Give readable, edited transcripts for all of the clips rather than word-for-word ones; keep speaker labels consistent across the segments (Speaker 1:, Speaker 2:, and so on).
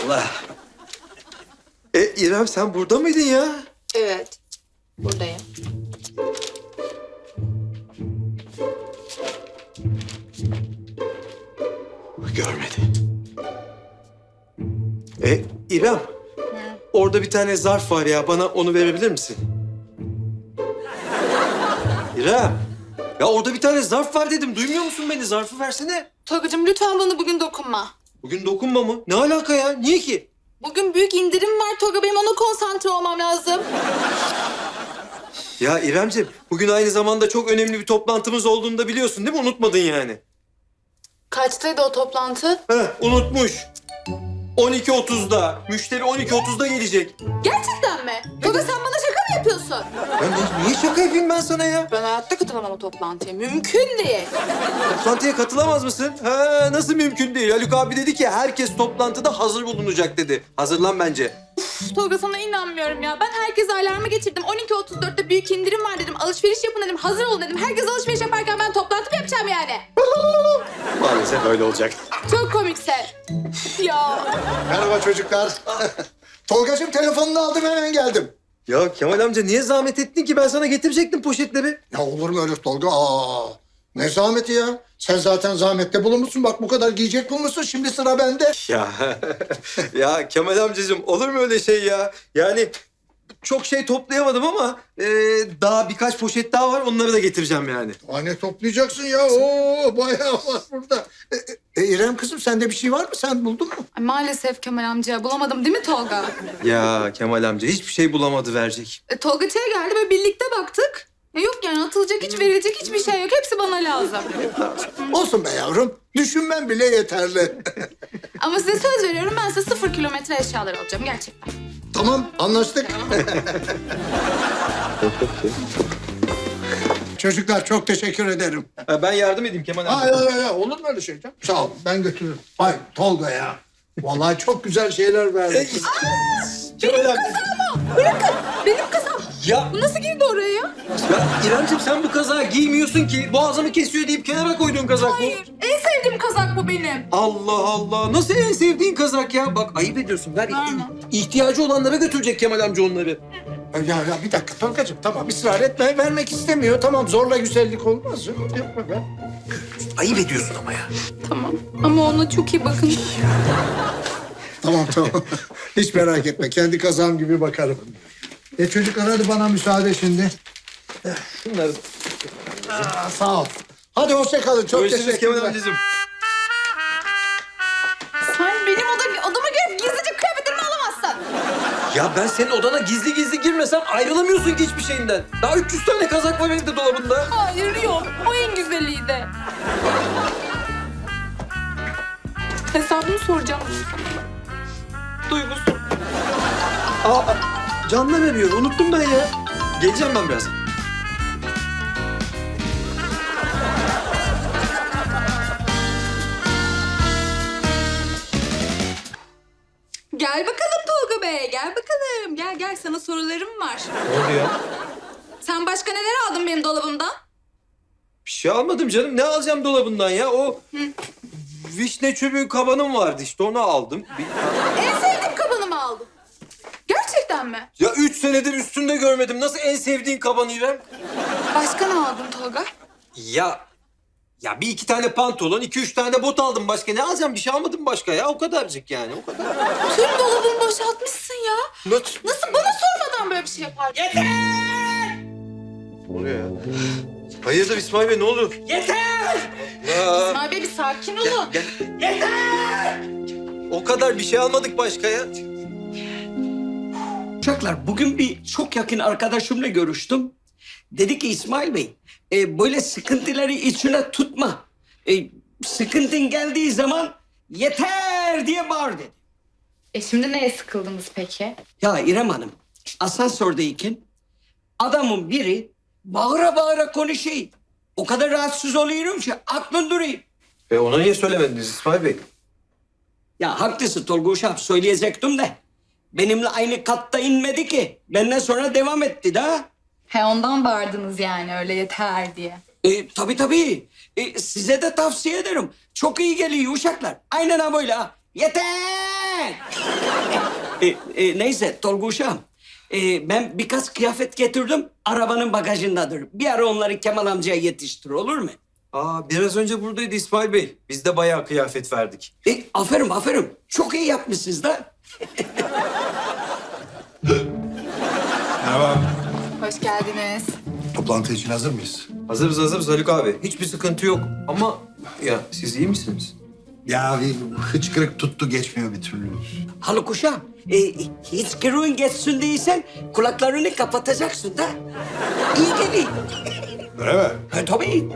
Speaker 1: Allah. İrem sen burada mıydın ya?
Speaker 2: Evet, buradayım.
Speaker 1: Görmedi. İrem. Orada bir tane zarf var ya. Bana onu verebilir misin? İrem. Ya orada bir tane zarf var dedim. Duymuyor musun beni? Zarfı versene.
Speaker 2: Tolgacığım lütfen bana bugün dokunma.
Speaker 1: Bugün dokunma mı? Ne alaka ya? Niye ki?
Speaker 2: Bugün büyük indirim var Tolga. Benim ona konsantre olmam lazım.
Speaker 1: Ya İremciğim, bugün aynı zamanda çok önemli bir toplantımız olduğunu da biliyorsun değil mi? Unutmadın yani.
Speaker 2: Kaçtaydı o toplantı?
Speaker 1: Unutmuş. 12.30'da. Müşteri 12.30'da gelecek.
Speaker 2: Gerçekten mi? Tolga sen bana şaka mı yapıyorsun?
Speaker 1: Ya niye şaka yapayım ben sana ya?
Speaker 2: Ben hayatta katılamam o toplantıya. Mümkün değil.
Speaker 1: Toplantıya katılamaz mısın? Ha, nasıl mümkün değil? Haluk abi dedi ki herkes toplantıda hazır bulunacak dedi. Hazırlan bence.
Speaker 2: Tolga sana inanmıyorum ya. Ben herkese alarmı geçirdim. 12.34'te büyük indirim var dedim. Alışveriş yapın dedim. Hazır olun dedim. Herkes alışveriş yaparken ben toplantı mı yapacağım yani?
Speaker 1: Maalesef öyle olacak.
Speaker 2: Çok komikse. Ya.
Speaker 3: Merhaba çocuklar. Tolgacığım telefonunu aldım hemen geldim.
Speaker 1: Ya Kemal amca niye zahmet ettin ki? Ben sana getirecektim poşetleri.
Speaker 3: Ya olur mu öyle Tolga? Ne zahmeti ya? Sen zaten zahmette bulunmuşsun. Bak bu kadar giyecek bulmuşsun. Şimdi sıra bende.
Speaker 1: Ya ya Kemal amcacığım olur mu öyle şey ya? Yani çok şey toplayamadım ama daha birkaç poşet daha var. Onları da getireceğim yani.
Speaker 3: Ne toplayacaksın ya? Bayağı var burada. İrem kızım sende bir şey var mı? Sen buldun mu?
Speaker 2: Ay, maalesef Kemal amca bulamadım değil mi Tolga?
Speaker 1: Ya Kemal amca hiçbir şey bulamadı verecek.
Speaker 2: Tolga çaya geldi ve birlikte baktık. Yok yani atılacak hiç verilecek hiçbir şey yok. Hepsi bana lazım.
Speaker 3: Olsun be yavrum. Düşünmen bile yeterli.
Speaker 2: Ama size söz veriyorum ben size 0 kilometre eşyalar alacağım gerçekten.
Speaker 3: Tamam anlaştık. Çocuklar çok teşekkür ederim.
Speaker 1: Ben yardım edeyim Kemal amca.
Speaker 3: Hayır, olur mu öyle şey canım? Sağ ol, ben götürürüm. Ay Tolga ya. Vallahi çok güzel şeyler verdin.
Speaker 1: Kemal amca.
Speaker 2: Bırakın benim kızım.
Speaker 1: Ya,
Speaker 2: Bu nasıl girdi oraya ya?
Speaker 1: ya İremciğim sen bu kazağı giymiyorsun ki. Boğazımı kesiyor deyip kenara koyduğun kazak bu.
Speaker 2: Hayır en sevdiğim kazak bu benim.
Speaker 1: Allah Allah. Nasıl en sevdiğin kazak ya? Bak ayıp ediyorsun. Ver.
Speaker 2: Verme.
Speaker 1: İhtiyacı olanlara götürecek Kemal amca onları.
Speaker 3: Ya bir dakika Tolgacığım tamam ısrar etme. Vermek istemiyor. Tamam zorla güzellik olmaz. Yapma be.
Speaker 1: Ayıp ediyorsun ama ya.
Speaker 2: Tamam ama ona çok iyi bakın.
Speaker 3: Tamam. Hiç merak etme. Kendi kazağım gibi bakarım. Çocuklar hadi bana müsaade şimdi.
Speaker 1: Şunları.
Speaker 3: Sağ ol. Hadi hoşça kalın. Çok
Speaker 1: Görüşürüz Kemal
Speaker 3: teşekkürler.
Speaker 1: amcacığım.
Speaker 2: Sen benim odama girip gizlice kıyafetlerimi alamazsın.
Speaker 1: Ya ben senin odana gizli gizli girmesem ayrılamıyorsun ki hiçbir şeyinden. Daha 300 tane kazak var benim de dolabında.
Speaker 2: Hayır yok. O en güzeliydi. Hesabını soracağım. Duygusu.
Speaker 1: Canla veriyor. Unuttum ben ya. Geleceğim ben biraz.
Speaker 2: Gel bakalım Tolga Bey. Gel bakalım. Gel sana sorularım var.
Speaker 1: Ne oldu ya?
Speaker 2: Sen başka neler aldın benim dolabımdan?
Speaker 1: Bir şey almadım canım. Ne alacağım dolabından ya? O vişne çöpü kabanım vardı işte. Onu aldım.
Speaker 2: En sevdiğim kabanımı aldım. Gerçekten mi?
Speaker 1: Ya 3 senedir üstünde görmedim. Nasıl en sevdiğin kaban İrem?
Speaker 2: Başka ne aldın Tolga?
Speaker 1: Ya bir iki tane pantolon, 2-3 tane de bot aldım. Başka ne alacağım? Bir şey almadım başka ya. O kadarcık yani. O kadar.
Speaker 2: Tüm dolabımı boşaltmışsın ya. Nasıl bana sormadan böyle bir şey yaparsın? Yeter!
Speaker 1: Ne oluyor ya? Hayırdır İsmail Bey ne olur?
Speaker 2: Yeter!
Speaker 1: Ya,
Speaker 2: İsmail Bey bir sakin olun.
Speaker 1: Yeter! O kadar bir şey almadık başka ya.
Speaker 4: Çocuklar bugün bir çok yakın arkadaşımla görüştüm. Dedi ki İsmail Bey böyle sıkıntıları içine tutma. Sıkıntın geldiği zaman yeter diye bağır dedi.
Speaker 2: Şimdi neye sıkıldınız peki?
Speaker 4: Ya İrem Hanım asansördeyken adamın biri bağıra bağıra konuşuyor. O kadar rahatsız oluyorum ki aklın duruyor.
Speaker 1: Ona niye söylemediniz İsmail Bey?
Speaker 4: Ya haklısın Tolga Uşak söyleyecektim de. Benimle aynı katta inmedi ki. Benden sonra devam etti de.
Speaker 2: He ondan bağırdınız yani öyle yeter diye.
Speaker 4: Tabii. Size de tavsiye ederim. Çok iyi geliyor uşaklar. Aynen ha böyle ha. Yeter! ben. Neyse Tolga uşağım. Ben birkaç kıyafet getirdim. Arabanın bagajındadır. Bir ara onları Kemal amcaya yetiştir, olur mu?
Speaker 1: Biraz önce buradaydı İsmail Bey. Biz de bayağı kıyafet verdik.
Speaker 4: Aferin. Çok iyi yapmışsınız da.
Speaker 3: Merhaba.
Speaker 2: Hoş geldiniz.
Speaker 3: Toplantı için hazır mıyız?
Speaker 1: Hazırız Haluk abi. Hiçbir sıkıntı yok. Ama ya siz iyi misiniz?
Speaker 3: Ya bir hıçkırık tuttu geçmiyor bir türlü.
Speaker 4: Haluk uşağım, hiç kırığın geçsin değilsen kulaklarını kapatacaksın da. İyi geliyor.
Speaker 3: Öyle mi?
Speaker 4: Tabii.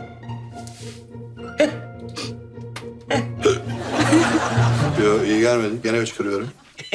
Speaker 5: Yok iyi gelmedi. Gene hıçkırıyorum.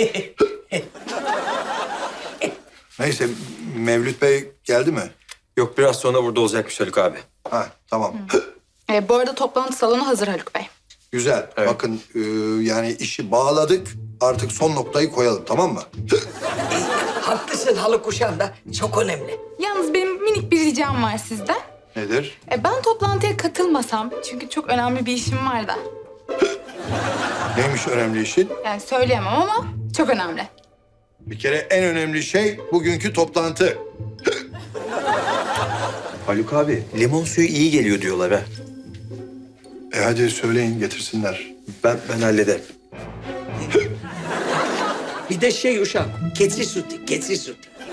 Speaker 5: Neyse Mevlüt Bey geldi mi?
Speaker 1: Yok biraz sonra burada olacakmış Haluk abi.
Speaker 5: Ha tamam.
Speaker 2: Bu arada toplantı salonu hazır Haluk Bey.
Speaker 5: Güzel.
Speaker 1: Evet.
Speaker 5: Bakın yani işi bağladık. Artık son noktayı koyalım tamam mı?
Speaker 4: Haklısın Haluk uşağım da çok önemli.
Speaker 2: Yalnız benim minik bir ricam var sizden.
Speaker 5: Nedir?
Speaker 2: Ben toplantıya katılmasam çünkü çok önemli bir işim var da.
Speaker 5: Neymiş önemli işin?
Speaker 2: Yani söyleyemem ama çok önemli.
Speaker 5: Bir kere en önemli şey bugünkü toplantı.
Speaker 1: Haluk abi limon suyu iyi geliyor diyorlar ha.
Speaker 5: Hadi söyleyin getirsinler.
Speaker 1: Ben hallederim.
Speaker 4: Bir de şey uşağım, keçi sütü.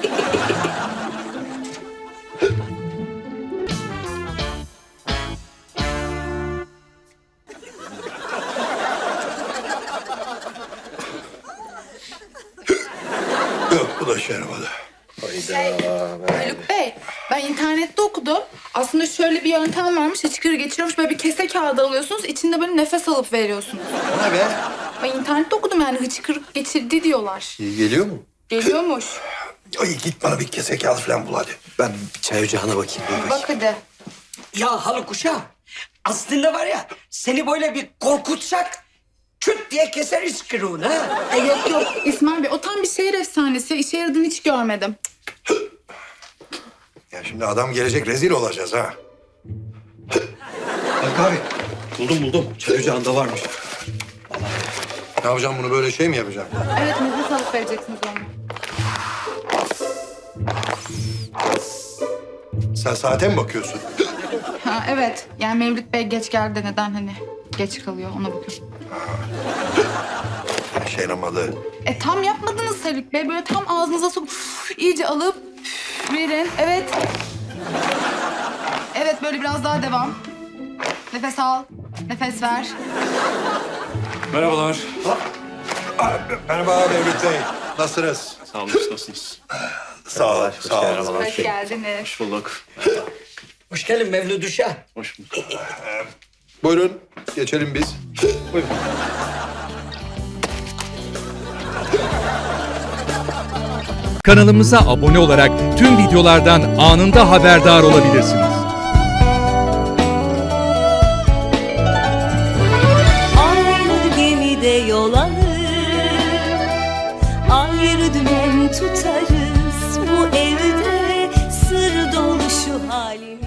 Speaker 5: Yok bu da şey yaramadı.
Speaker 2: Haluk Bey, ben internette okudum. Aslında şöyle bir yöntem varmış. Hıçkırığı geçiriyormuş. Böyle bir kese kağıdı alıyorsunuz. İçinde böyle nefes alıp veriyorsunuz.
Speaker 5: O ne be?
Speaker 2: Ben internette okudum yani hıçkırık geçirdi diyorlar.
Speaker 5: İyi geliyor mu?
Speaker 2: Geliyormuş.
Speaker 5: Ay git bana bir kese kağıt falan bul hadi.
Speaker 1: Ben bir çay ocağına bakayım.
Speaker 2: Bak hadi.
Speaker 4: Ya Haluk uşağım, aslında var ya seni böyle bir korkutsak küt diye keseriz kırığını ha.
Speaker 2: Yok İsmail Bey, o tam bir şehir efsanesi. İşe yaradığını hiç görmedim.
Speaker 5: Ya şimdi adam gelecek rezil olacağız ha.
Speaker 1: Haluk abi buldum. Çay ocağında varmış.
Speaker 5: Ne yapacağım bunu böyle şey mi yapacağım?
Speaker 2: Evet, nefes alıp vereceksiniz onu.
Speaker 5: Sen saate mi bakıyorsun?
Speaker 2: Ha, evet. Yani Mevlüt Bey geç geldi de neden hani geç kalıyor ona bakıyorum.
Speaker 5: Şey yaramadı.
Speaker 2: Tam yapmadınız Haluk Bey. Böyle tam ağzınıza sokup iyice alıp verin. Evet. Evet, böyle biraz daha devam. Nefes al. Nefes ver.
Speaker 6: Merhabalar.
Speaker 5: Merhaba Mevlüt Bey. Nasılsınız?
Speaker 6: Sağ olun, nasılsınız?
Speaker 5: Sağ ol. Sağ ol.
Speaker 2: Hoş geldiniz.
Speaker 6: Hoş bulduk.
Speaker 4: Hoş geldin Mevlüt uşağım.
Speaker 6: Hoş bulduk.
Speaker 5: Buyurun. Geçelim biz. Buyurun.
Speaker 7: Kanalımıza abone olarak tüm videolardan anında haberdar olabilirsiniz.
Speaker 8: Aynı gemide yol alır, ayrı dümen tutarız. Bu evde sır dolu şu halimiz.